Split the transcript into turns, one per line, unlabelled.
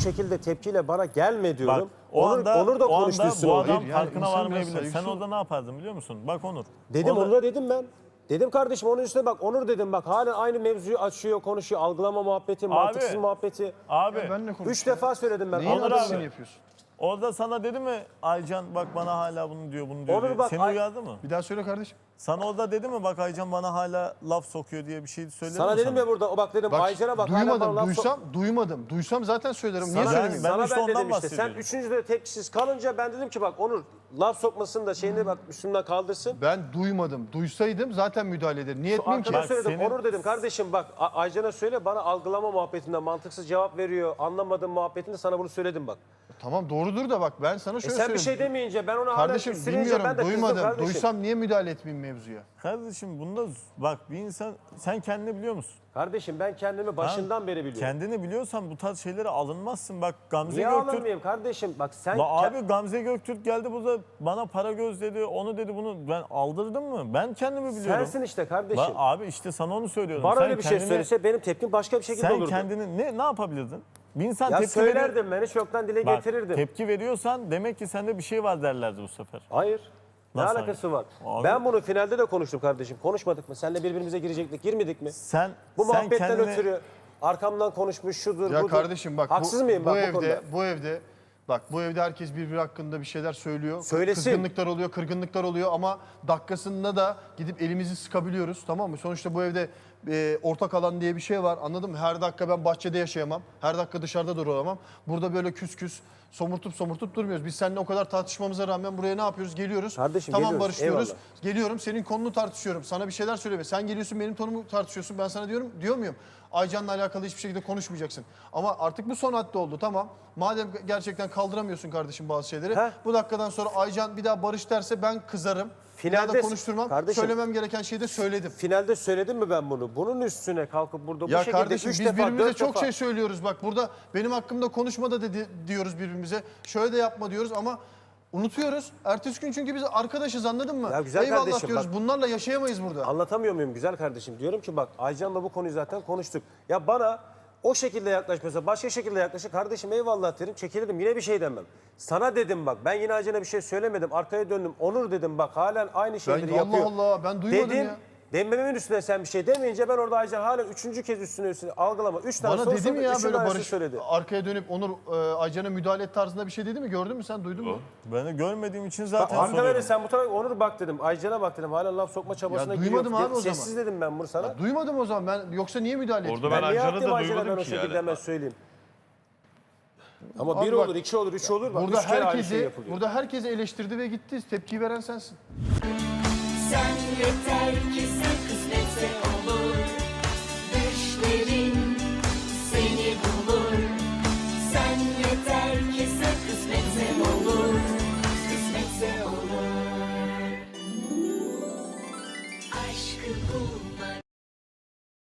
şekilde tepkiyle bana gelme diyorum.
Bak, Onur da
o
konuştu
anda
üstüne.
bu
Adam
adam
farkına
insan
varmayabilir.
biraz
Sen
zayıf.
orada ne yapardın biliyor musun? Bak Onur.
dedim,
orada-
Onur'a dedim ben. Dedim kardeşim onun üstüne bak, Onur dedim bak, hala aynı mevzuyu açıyor, konuşuyor, algılama muhabbeti, mantıksız muhabbeti.
Abi.
Ya benle konuş.
3 defa söyledim ben.
Neyin
Onur
adamını
abi.
yapıyorsun?
Orada sana dedi mi Aycan bak bana hala bunu diyor bunu diyor.
Onur
diye.
bak,
Seni uyardı mı?
Bir daha söyle kardeşim.
Sana orada dedi mi bak Aycan bana hala laf sokuyor diye bir şey söyledi
Sana
mi
dedim ya burada, o bak dedim, Aycan'a bak. hala
duymadım,
bana laf
duysam, duysam zaten söylerim. Niye
Sana,
söylemeyeyim?
Ben
sana
işte
ben
ondan
dedim işte. Sen
bahsediyorum.
üçüncü de tepkisiz kalınca ben dedim ki bak Onur laf sokmasın da şeyini bak üstümden kaldırsın.
Ben duymadım. Duysaydım zaten müdahale ederim. Niye etmeyeyim ki?
Arkana
Bak,
söyledim.
senin-
Onur dedim kardeşim bak Aycan'a söyle, bana algılama muhabbetinden mantıksız cevap veriyor. Anlamadığım muhabbetinde sana bunu söyledim bak.
Tamam doğrudur da bak ben sana şöyle
Sen bir
söyleyeyim.
şey demeyince ben ona hala
Kardeşim
üstlenince
bilmiyorum,
ben de kızdım
duymadım.
kardeşim.
Duysam niye müdahale etmeyeyim mevzuya?
Kardeşim bunda bak bir insan sen kendini biliyor musun?
Kardeşim ben kendimi başından beri biliyorum.
Kendini biliyorsan bu tarz şeylere alınmazsın. Bak Gamze
Niye
Göktürk.
alınmayayım kardeşim? Bak sen...
Abi Gamze Göktürk geldi burada bana para göz dedi, onu dedi bunu. Ben aldırdım mı? Ben kendimi biliyorum.
Sensin işte kardeşim.
Abi işte sana onu söylüyorum.
Bana
Sen
öyle bir şey söylese benim tepkim başka bir şekilde
sen
olurdu.
kendini ne yapabilirdin? Bir insan
Ya
tepki
söylerdim ben, hiç yoktan dile
Bak,
getirirdim.
tepki veriyorsan demek ki sende bir şey var derlerdi bu sefer.
Hayır. Ne
Nasıl
alakası var?
Abi-
Ben bunu finalde de konuştum kardeşim. Konuşmadık mı? Seninle birbirimize girecektik, girmedik mi? Bu
sen
muhabbetten
kendini-
ötürü arkamdan konuşmuş, şudur,
Ya
budur.
kardeşim bak
Haksız mıyım bak bu konuda?
bu evde herkes birbiri hakkında bir şeyler söylüyor.
Söylesin.
Kızgınlıklar oluyor, kırgınlıklar oluyor ama dakikasında da gidip elimizi sıkabiliyoruz, tamam mı? Sonuçta bu evde ortak alan diye bir şey var, anladın mı? Her dakika ben bahçede yaşayamam, her dakika dışarıda duramam. Burada böyle küs küs somurtup durmuyoruz. Biz seninle o kadar tartışmamıza rağmen buraya ne yapıyoruz? Geliyoruz.
Kardeşim,
tamam
geliyoruz,
barışıyoruz.
eyvallah.
Geliyorum senin konunu tartışıyorum. Sana bir şeyler söyleme. Sen geliyorsun benim tonumu tartışıyorsun. Ben sana diyor muyum? Aycan'la alakalı hiçbir şekilde konuşmayacaksın. Ama artık bu son hadde oldu, tamam. Madem gerçekten kaldıramıyorsun kardeşim bazı şeyleri.
Heh.
Bu dakikadan sonra Aycan bir daha barış derse ben kızarım. Bir daha da
Finalde-
konuşturmam.
Kardeşim-
Söylemem gereken şeyi de söyledim.
Finalde söyledim mi ben bunu? Bunun üstüne kalkıp burada bu
Ya
şekilde
kardeşim
3
biz
defa,
birbirimize
4
çok
defa...
şey söylüyoruz. Bak burada benim hakkımda konuşma da diyoruz birbirimize. Şöyle de yapma diyoruz ama unutuyoruz. Ertesi gün çünkü biz arkadaşız, anladın mı?
Ya güzel
Eyvallah
kardeşim,
diyoruz.
bak-
Bunlarla yaşayamayız burada.
Anlatamıyor muyum güzel kardeşim? Diyorum ki bak Aycan'la bu konuyu zaten konuştuk. Ya bana o şekilde yaklaşmasa başka şekilde yaklaşır. Kardeşim eyvallah derim, çekilirim, yine bir şey demem. Sana dedim bak, ben yine Aycan'a bir şey söylemedim. Arkaya döndüm. Onur dedim bak halen aynı şeyleri
Allah
yapıyor.
Allah, ben duymadım
dedim,
ya.
Demememin üstüne sen bir şey demeyince ben orada Aycan hala 3. kez üstüne algılama. 3 tane
Bana
soru
dedi mi
sordu,
ya
üçünün
böyle
aynısını
Barış
söyledi.
arkaya dönüp Onur Aycan'a müdahale et tarzında bir şey dedi mi? Gördün mü sen, duydun mu?
Ben de görmediğim için
Bak,
zaten
arkada
soruyorum.
sen bu tarafa Onur bak dedim. Aycan'a bak dedim. Hala laf sokma çabasına
Ya
giriyor.
duymadım abi o zaman.
Sessiz dedim ben bunu sana.
Ya duymadım o zaman ben, yoksa niye müdahale ettim?
Orada ben
niye
Aycan'ı
yaptım
da
Aycan'a ben
duymadım
o
ki
şekilde
yani.
hemen söyleyeyim. Ama
Abi
bir
bak,
olur, 2 olur, 3 olur. Bak,
Burada
3 kere aynı şey
herkesi
yapılıyor.
burada herkesi eleştirdi ve gitti. Tepkiyi veren sensin.
Sen yeter ki sen kısmetse